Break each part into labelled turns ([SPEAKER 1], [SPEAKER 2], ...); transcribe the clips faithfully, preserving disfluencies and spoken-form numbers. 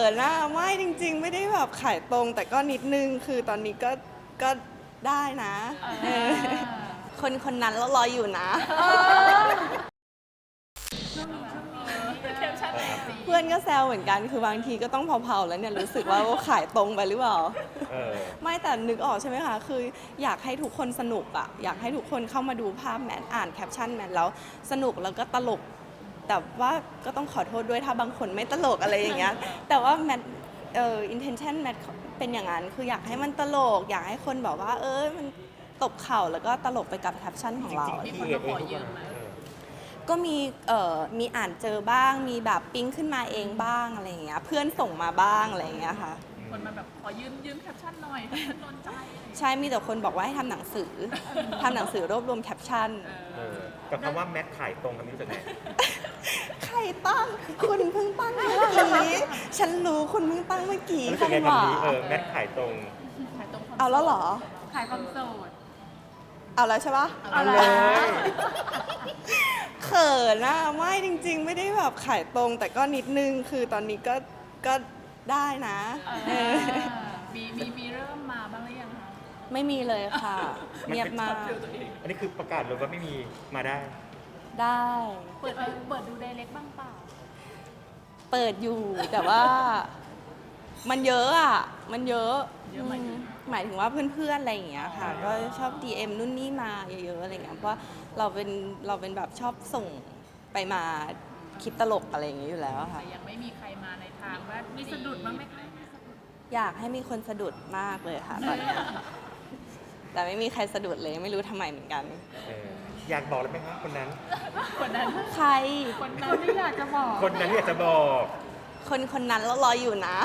[SPEAKER 1] นอะไม่จริงๆไม่ได้แบบขายตรงแต่ก็นิดนึงคือตอนนี้ก็ก็ได้นะเออคนคนนั้นเรารออยู่นะเพื่อนก็แซวเหมือนกันคือบางทีก็ต้องเผาๆแล้วเนี่ยรู้สึกว่าขายตรงไปหรือเปล่าไม่แต่นึกออกใช่ไหมคะคืออยากให้ทุกคนสนุกอะอยากให้ทุกคนเข้ามาดูภาพแมทอ่านแคปชั่นแมทแล้วสนุกแล้วก็ตลกแต่ว่าก็ต้องขอโทษด้วยถ้าบางคนไม่ตลกอะไรอย่างเงี้ยแต่ว่าแมทเอ่อ intention แมทเป็นอย่างนั้นคืออยากให้มันตลกอยากให้คนแบบว่าเออมันตบเข่าแล้วก็ตลกไปกับแคปชั่นของเรา
[SPEAKER 2] มีคนมาขอยืมไหม
[SPEAKER 1] ก็มีเอ่อมีอ่านเจอบ้างมีแบบปิ๊งขึ้นมาเองบ้างอะไรอย่างเงี้ยเพื่อนส่งมาบ้างอะไรอย่างเงี้ยค่ะ
[SPEAKER 2] คนมาแบบขอยืมยืมแคปชั่นหน่อยแคปชั่นโดนใจ
[SPEAKER 1] ใช่มีแต่คนบอกว่าให้ทำหนังสือทำหนังสือรวบรวมแคปชั่น
[SPEAKER 3] กับคำว่าแมทขายตรงคำนี้รู้สึกไง
[SPEAKER 1] ใครตั้งคุณเพิ่งตั้งเมื่อกี้ฉันรู้คุณเพิ่งตั้งเมื่อกี้
[SPEAKER 3] รู้สึกไงคำนี้เออแมทขายตรง
[SPEAKER 2] ขายตรง
[SPEAKER 1] เอาแล้วเหรอ
[SPEAKER 2] ขายความโสด
[SPEAKER 1] เอาแล้วใช่ปะ
[SPEAKER 3] เอาเลย
[SPEAKER 1] เขินอะไม่จริงๆไม่ได้แบบขายตรงแต่ก็นิดนึงคือตอนนี้ก็ก็ได้นะ
[SPEAKER 2] มีมีมีเริ่มมาบ้างหรือยังคะ
[SPEAKER 1] ไม่มีเลยค่ะเงียบมาก
[SPEAKER 3] อันนี้คือประกาศเลยว่าไม่มีมาได้
[SPEAKER 1] ได้
[SPEAKER 2] เปิดเปิดดูไดเรกบ้างเปล่า
[SPEAKER 1] เปิดอยู่แต่ว่ามันเยอะอ่ะมันเยอะหมายถึงว่าเพื่อนๆอะไรอย่างเงี้ยค่ะก็ชอบ ดี เอ็ม นู่นนี่มาเยอะๆอะไรเงี้ยเพราะว่าเราเป็นเราเป็นแบบชอบส่งไปมาคิดตลกอะไรอย่างเงี้ยอยู่แล้วค่ะ
[SPEAKER 2] แต่ยังไม่มีใครมาในทางว่ามีสะดุดบ้างไหมคะ
[SPEAKER 1] อยากให้มีคนสะดุดมากเลยค่ะตอนนี้แต่ไม่มีใครสะดุดเลยไม่รู้ทำไมเหมือนกัน
[SPEAKER 3] อยากบอกเลยไหมครับคนนั้น
[SPEAKER 2] คนนั้น
[SPEAKER 1] ใคร
[SPEAKER 2] คนนั้นที่อยากจะบอก
[SPEAKER 3] คนนั้นที่อยากจะบอก
[SPEAKER 1] คนคนนั้นเรารออยู่นะ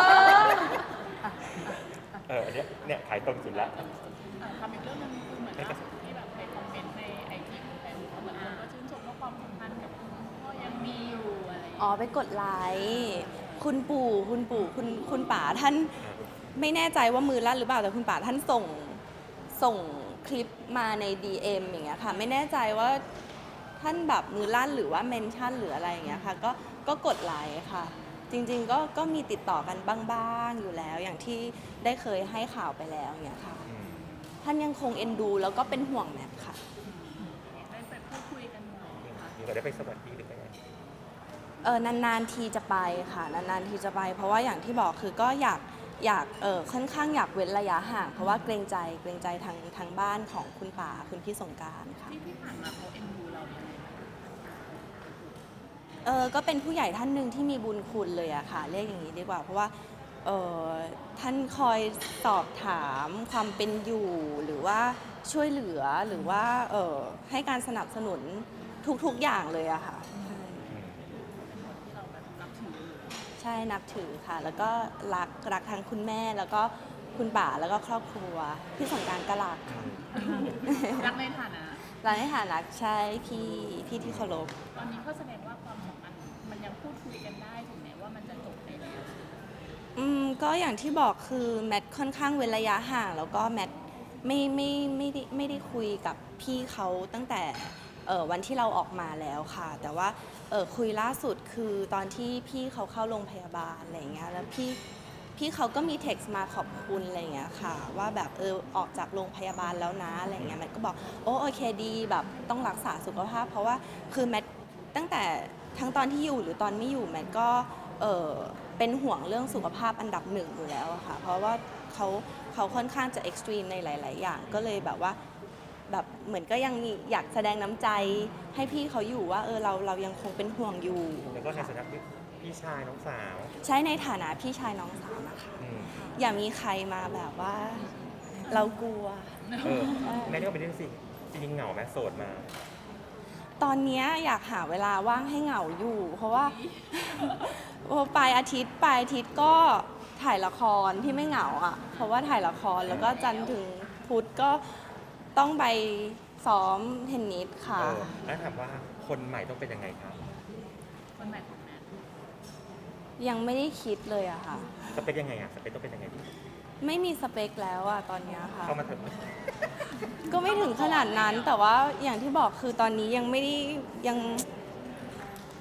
[SPEAKER 3] เออเนี่ยเนี่ยขายตรงสุดละ
[SPEAKER 2] ทำอีกเรื่องนึงคือเหมือนว่าที่แบบในคอมเมนต์ในไอจีของแฟนเขาเหมือนคนก็ชื่นชมว่าความสัมพันธ์กับคุณพ่อยังมีอยู่อะไร
[SPEAKER 1] อ๋อไปกดไลค์คุณปู่คุณปู่คุณคุณป๋าท่านไม่แน่ใจว่ามือลั่นหรือเปล่าแต่คุณป๋าท่านส่งส่งคลิปมาใน ดี เอ็ม อย่างเงี้ยค่ะไม่แน่ใจว่าท่านแบบมือลั่นหรือว่าเมนชั่นหรืออะไรอย่างเงี้ยค่ะก็ก็กดไลค์ค่ะจริงๆก็ก็มีติดต่อกันบ้างๆอยู่แล้วอย่างที่ได้เคยให้ข่าวไปแล้วอย่างเงี้ยค่ะท่านยังคงเอ็นดูแล้วก็เป็นห่วงแมทค่ะ
[SPEAKER 2] ได้ไปพูดคุยกันหน่อยค่ะ
[SPEAKER 3] มีได้ไปสวัสดีหรือไง
[SPEAKER 1] เออนานๆทีจะไปค่ะนานๆทีจะไปเพราะว่าอย่างที่บอกคือก็อยากอยากเออค่อนข้างอยากเว้นระยะห่างเพราะว่าเกรงใจเกรงใจทางทางบ้านของคุณป๋าคุณพี่สงกรานต์ค่ะ
[SPEAKER 2] ที่ที่ผ่านมาเขาเอ็นดูเรายังไง
[SPEAKER 1] เออก็เป็นผู้ใหญ่ท่านหนึ่งที่มีบุญคุณเลยอะค่ะเรียกอย่างนี้ดีกว่าเพราะว่าเออท่านคอยสอบถามความเป็นอยู่หรือว่าช่วยเหลือหรือว่าเออให้การสนับสนุนทุกๆอย่างเลยอะค่ะใช่นับถือค่ะแล้วก็รักรักทั้งคุณแม่แล้วก็คุณป๋าแล้วก็ครอบครัวพี่สงกรานต์ก็รักค่ะ
[SPEAKER 2] รักในฐานะ
[SPEAKER 1] รักในฐานะใช่พี่พี่ที่เคารพ
[SPEAKER 2] ตอนนี้ก็แสดงว่าความสัมพันธ์มันยังพูดคุยกันได้ถึงแม้ว่ามันจะจบไปแล้ว
[SPEAKER 1] อืมก็อย่างที่บอกคือแมทค่อนข้างเว้นระยะห่างแล้วก็แมทไม่ไม่ไม่ได้ไม่ได้คุยกับพี่เขาตั้งแต่เออวันที่เราออกมาแล้วค่ะแต่ว่าเออคุยล่าสุดคือตอนที่พี่เขาเข้าโรงพยาบาลอะไรเงี้ยแล้วพี่พี่เขาก็มีเท็กซ์มาขอบคุณอะไรเงี้ยค่ะว่าแบบเออออกจากโรงพยาบาลแล้วนะอะไรเงี้ยแมทก็บอกโอ้โอเคดีแบบต้องรักษาสุขภาพเพราะว่าคือแมทตั้งแต่ทั้งตอนที่อยู่หรือตอนไม่อยู่แมทก็เออเป็นห่วงเรื่องสุขภาพอันดับหนึ่งอยู่แล้วค่ะเพราะว่าเขาเขาค่อนข้างจะเอ็กซ์ตรีมในหลายๆอย่างก็เลยแบบว่าแบบเหมือนก็ยังมีอยากแสดงน้ำใจให้พี่เขาอยู่ว่าเออเราเรายังคงเป็นห่วงอยู่
[SPEAKER 3] แล้วก็ในฐานะพี่ชายน้องสาว
[SPEAKER 1] ใช้ในฐานะพี่ชายน้องสาวนะคะอย่ามีใครมาแบบว่าเรากลัว
[SPEAKER 3] เออแม่นี่ก็เป็นเรื่องสิจริงๆเหงาไหมโสดมา
[SPEAKER 1] ตอนนี้อยากหาเวลาว่างให้เหงาอยู่ เพราะว่าปลายอาทิตย์ปลายอาทิตย์ก็ถ่ายละครที่ไม่เหงาอ่ะเพราะว่าถ่ายละครแล้วก็จันทร์ถึงพุธก็ต้องไปซ้อมเทนนิสค่ะ
[SPEAKER 3] แล้วถามว่าคนใหม่ต้องเป็นยังไงครับ
[SPEAKER 2] คนใหม่ของแมท
[SPEAKER 1] ยังไม่ได้คิดเลยอะค่ะ
[SPEAKER 3] สเปคยังไงอะสเปคต้องเป็นยังไงดี
[SPEAKER 1] ไม่มีสเปคแล้วอะตอนนี้ค่ะ
[SPEAKER 3] เข้ามาเถอะ
[SPEAKER 1] ก็ไม่ถึงขนาดนั้นแต่ว่าอย่างที่บอกคือตอนนี้ยังไม่ได้ยัง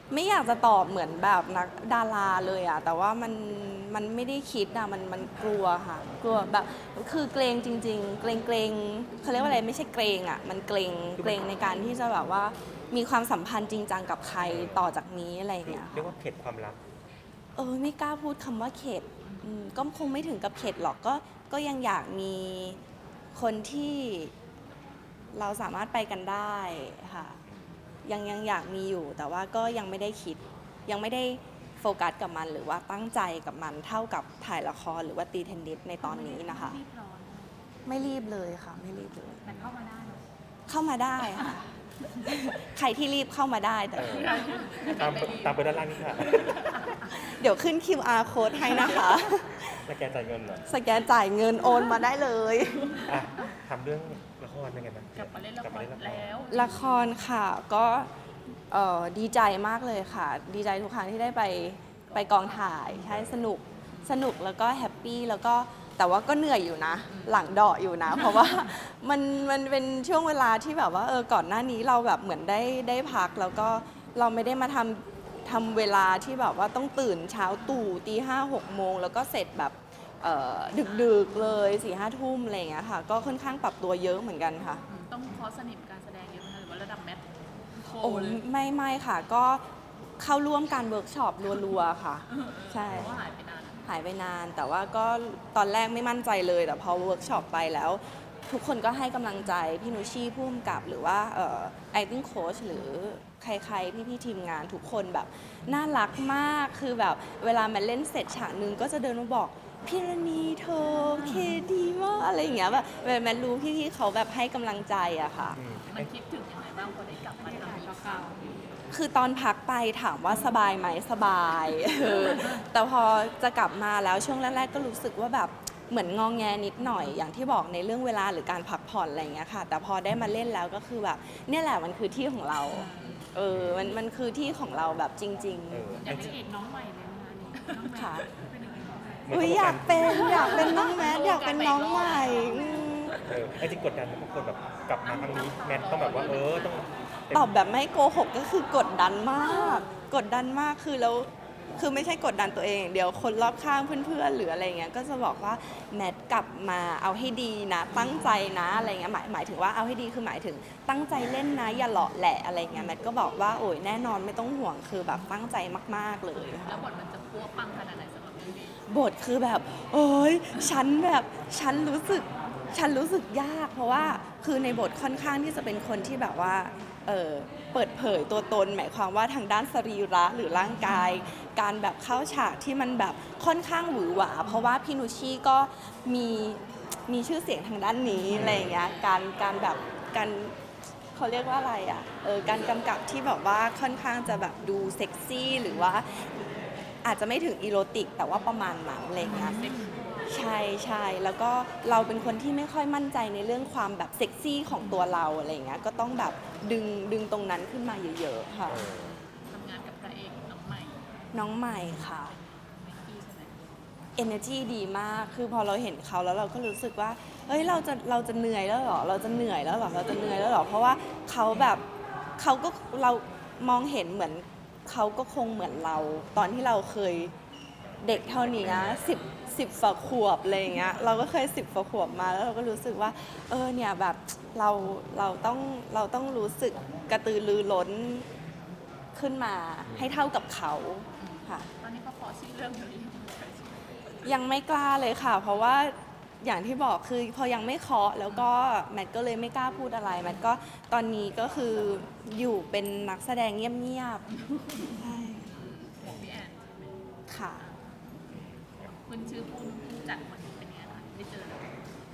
[SPEAKER 1] ไม่อยากจะตอบเหมือนแบบนักดาราเลยอะแต่ว่ามันมันไม่ได้คิดอะมันมันกลัวค่ะ กลัวแบบคือเกรงจริง ๆ เกรงเกรงเขาเรียกว่าอะไรไม่ใช่เกรงอะมันเกรงเกรงในการที่จะแบบว่ามีความสัมพันธ์จริงจังกับใครต่อจากนี้อะไรอย่างเงี้ย
[SPEAKER 3] เรียก
[SPEAKER 1] ค่ะ
[SPEAKER 3] ว่าเข็ดความรัก
[SPEAKER 1] เออไม่กล้าพูดคำว่าเข็ดอืมก็คงไม่ถึงกับเข็ดหรอกก็ก็ยังอยากมีคนที่เราสามารถไปกันได้ค่ะยังยังอยากมีอยู่ แต่ว่าก็ยังไม่ได้คิด ยังไม่ได้โฟกัสกับมันหรือว่าตั้งใจกับมันเท่ากับถ่ายละครหรือว่าตีเทนนิสในตอนนี้นะคะ
[SPEAKER 2] รีบร้อน
[SPEAKER 1] ไม่รีบเลยค่ะ ไม่รีบเลย
[SPEAKER 2] แต่เข้ามาได้เนอะ
[SPEAKER 1] เข้ามาได้ค่ะ ใครที่รีบเข้ามาได้แต่
[SPEAKER 3] เออ ตามตามไปด้านล่างนี่ค่ะ
[SPEAKER 1] เดี๋ยวขึ้น คิว อาร์ code ให้นะคะ
[SPEAKER 3] แล้วแกจ่ายเงินเหรอ
[SPEAKER 1] สแกนจ่ายเงินโอนมาได้เลย
[SPEAKER 3] อ่ะทำเรื่องละครเป็นไงบ้าง
[SPEAKER 2] กลับมาเล่นละ
[SPEAKER 3] กลับ
[SPEAKER 2] ค
[SPEAKER 3] มาร เล่นละคร
[SPEAKER 2] แล้ว
[SPEAKER 1] ละครค่ะก็เอ่อดีใจมากเลยค่ะ ดีใจทุกครั้งที่ได้ไปไปกองถ่ายใช่สนุกสนุกแล้วก็แฮปปี้แล้วก็แต่ว่าก็เหนื่อยอยู่นะ หลังเดาะอยู่นะ เพราะว่ามันมันเป็นช่วงเวลาที่แบบว่าเออก่อนหน้านี้เราแบบเหมือนได้ได้พัก แล้วก็เราไม่ได้มาทำทำเวลาที่แบบว่าต้องตื่นเช้าตู่ตีห้าหกโมงแล้วก็เสร็จแบบเอ่อดึกๆเลยสี่ห้าทุ่มอะไรอย่างเงี้ยค่ะ ก็ค่อนข้างปรับตัวเยอะเหมือนกันค่ะ
[SPEAKER 2] อืมต้องคอร์สสนิมการแสดงเยอะไหมคะหรือว่าระดับแมทโค
[SPEAKER 1] โอ้
[SPEAKER 2] เลย
[SPEAKER 1] ไม่ไม่ค่ะก็เข้าร่วมการเวิร์กช็อปรัวๆค่ะ ใช่
[SPEAKER 2] เพราะว่าหายไปนาน
[SPEAKER 1] หายไปนาน แต่ว่าก็ตอนแรกไม่มั่นใจเลย แต่พอเวิร์กช็อปไปแล้ว ทุกคนก็ให้กำลังใจ พี่นุชชี่ผู้กำกับหรือว่าเอ่อ acting coach หรือใครๆ พี่ๆทีมงานทุกคนแบบน่ารักมากคือแบบเวลามันเล่นเสร็จฉากหนึ่งก็จะเดินมาบอก พี่รณีเธอเคดีมากอะไรอย่างเงี้ยแบบแมนรู้พี่ๆเขาแบบให้กำลังใจอะค่ะ
[SPEAKER 3] อืม
[SPEAKER 2] มันคิดถึงยังไงบ้างพอได้กลับมาทำอีกครั้ง
[SPEAKER 1] คือตอนพักไปถามว่าสบายไหมสบาย เออแต่พอจะกลับมาแล้วช่วงแรกๆก็รู้สึกว่าแบบเหมือนงองแงนิดหน่อยอย่างที่บอกในเรื่องเวลาหรือการพักผ่อนอะไรอย่างเงี้ยค่ะ แต่พอได้มาเล่นแล้วก็คือแบบเนี่ยแหละมันคือที่ของเรา เออมันมันคือที่ของเราแบบจริง
[SPEAKER 3] เออ
[SPEAKER 2] อยากเป็นเอกน้องใหม่เลยนะคะนี่น้องแมท
[SPEAKER 1] ค่ะ
[SPEAKER 2] เป็นยังไงบ้าง
[SPEAKER 1] ๆอุ้ยอยากเป็นอยากเป็นน้องแมทอยากเป็นน้องใหม่อืม
[SPEAKER 3] เออไอ้จริงกดดันทุกคนแบบกลับมาครั้งนี้แมนต้องแบบว่าเออต้องเต็ม
[SPEAKER 1] ตอบแบบไม่โกหกก็คือกดดันมาก กดดันมากคือแล้วคือไม่ใช่กดดันตัวเองอย่างเดียวคนรอบข้างเพื่อนๆหรืออะไรเงี้ยก็จะบอกว่าแมทกลับมาเอาให้ดีนะ ตั้งใจนะอะไรเงี้ยหมายหมายถึงว่าเอาให้ดีคือหมายถึงตั้งใจเล่นนะอย่าเหลาะแหละอะไรเงี้ยแมทก็บอกว่าโอ้ยแน่นอนไม่ต้องห่วงคือแบบตั้งใจมากๆเลย
[SPEAKER 2] แล้
[SPEAKER 1] ค่ะ
[SPEAKER 2] วบทมันจะพัวปังขนาดไหนสำหรับเรื่องนี้
[SPEAKER 1] บทคือแบบโอ้ยฉันแบบฉันรู้สึกฉันรู้สึกยาก เพราะว่าคือในบทค่อนข้างที่จะเป็นคนที่แบบว่าเออเปิดเผยตัวตน หมายความว่าทางด้านสรีระหรือร่างกาย การแบบเข้าฉากที่มันแบบค่อนข้างหวือหวา เพราะว่าพี่นุชชี่ก็มีมีชื่อเสียงทางด้านนี้อะไรอย่างเงี้ยการการแบบการเขาเรียกว่าอะไรอ่ะเออการกำกับที่แบบว่าค่อนข้างจะแบบดูเซ็กซี่หรือว่าอาจจะไม่ถึงอีโรติก แต่ว่าประมาณนั้นอะไรอย่างเงี้ย ใช่ใช่แล้วก็เราเป็นคนที่ไม่ค่อยมั่นใจในเรื่องความแบบเซ็กซี่ของตัวเราอะไรอย่างเงี้ยก็ต้องแบบดึงดึงตรงนั้นขึ้นมาเยอะๆค่ะ
[SPEAKER 3] เออ
[SPEAKER 2] ทำงานกับพระเอกน้องใหม่
[SPEAKER 1] น้องใหม่ค่ะ
[SPEAKER 2] เมกกี้ใช่ไหม
[SPEAKER 1] energy ดีมาก คือพอเราเห็นเขาแล้วเราก็รู้สึกว่า เฮ้ย เราจะ เราจะเหนื่อยแล้วเหรอ เราจะเหนื่อยแล้วเหรอ เราจะเหนื่อยแล้วเหรอ เพราะว่าเขาแบบเขาก็เรามองเห็นเหมือนเขาก็คงเหมือนเรา ตอนที่เราเคยเด็กเท่านี้สิบสิบฝาขวบอะไรอย่างเงี้ย เราก็เคยสิบฝาขวบมาแล้วเราก็รู้สึกว่า เออ เนี่ยแบบเรา เราต้อง เราต้องรู้สึกกระตือรือร้นขึ้นมาให้เท่ากับเขาค่ะ
[SPEAKER 2] ตอนนี้เขาขอชื่อเรื่องอยู่ดี
[SPEAKER 1] ยังไม่กล้าเลยค่ะ เพราะว่าอย่างที่บอกคือพอยังไม่เคาะแล้วก็แมทก็เลยไม่กล้าพูดอะไรแมทก็ตอนนี้ก็คืออยู่เป็นนักแสดงเงียบๆใช่
[SPEAKER 2] ของพี่แอนใช่ไหม
[SPEAKER 1] ค่ะ
[SPEAKER 2] คุณชื่อผู้ผู้จัดมันเป็นยังไงคะได้เจอแล้ว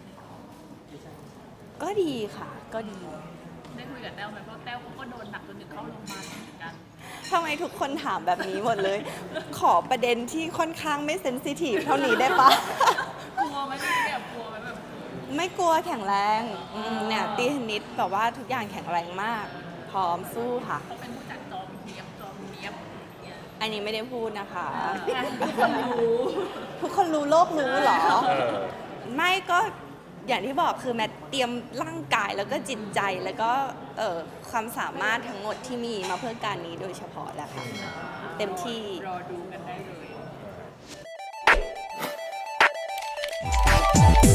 [SPEAKER 1] ก็ดีค่ะ ก็ดี
[SPEAKER 2] ได้คุยกับแต้วไหมเพราะแต้วเขาก็โดนหนักจนถึงเข้าโรงพยาบาลเหมือนกัน
[SPEAKER 1] ทำไมทุกคนถามแบบนี้หมดเลย ขอประเด็นที่ค่อนข้างไม่เซนซิทีฟเท่านี้ได้ปะ
[SPEAKER 2] กลัวไหมพี่แบบกลัวไหมแบบ
[SPEAKER 1] ไม่กลัวแข็งแรงอืมเนี่ยตีเทนนิสแบบว่าทุกอย่างแข็งแรงมาก พร้อมสู้ค่ะ
[SPEAKER 2] เขาเป็นผู้จัดจอมเนียบจอมเนียบอย่างเงี้ย
[SPEAKER 1] อันนี้ไม่ได้พูดนะคะ
[SPEAKER 2] ทุกคนรู้
[SPEAKER 1] ทุกคนรู้โลกรู้เหรอ
[SPEAKER 3] เออ
[SPEAKER 1] ไม่ก็อย่างที่บอกคือแมทเตรียมร่างกายแล้วก็จิตใจแล้วก็เอ่อความสามารถทั้งหมดที่มีมาเพื่อการนี้โดยเฉพาะแหละค่ะเต็มที่
[SPEAKER 2] รอดูกันได้เลย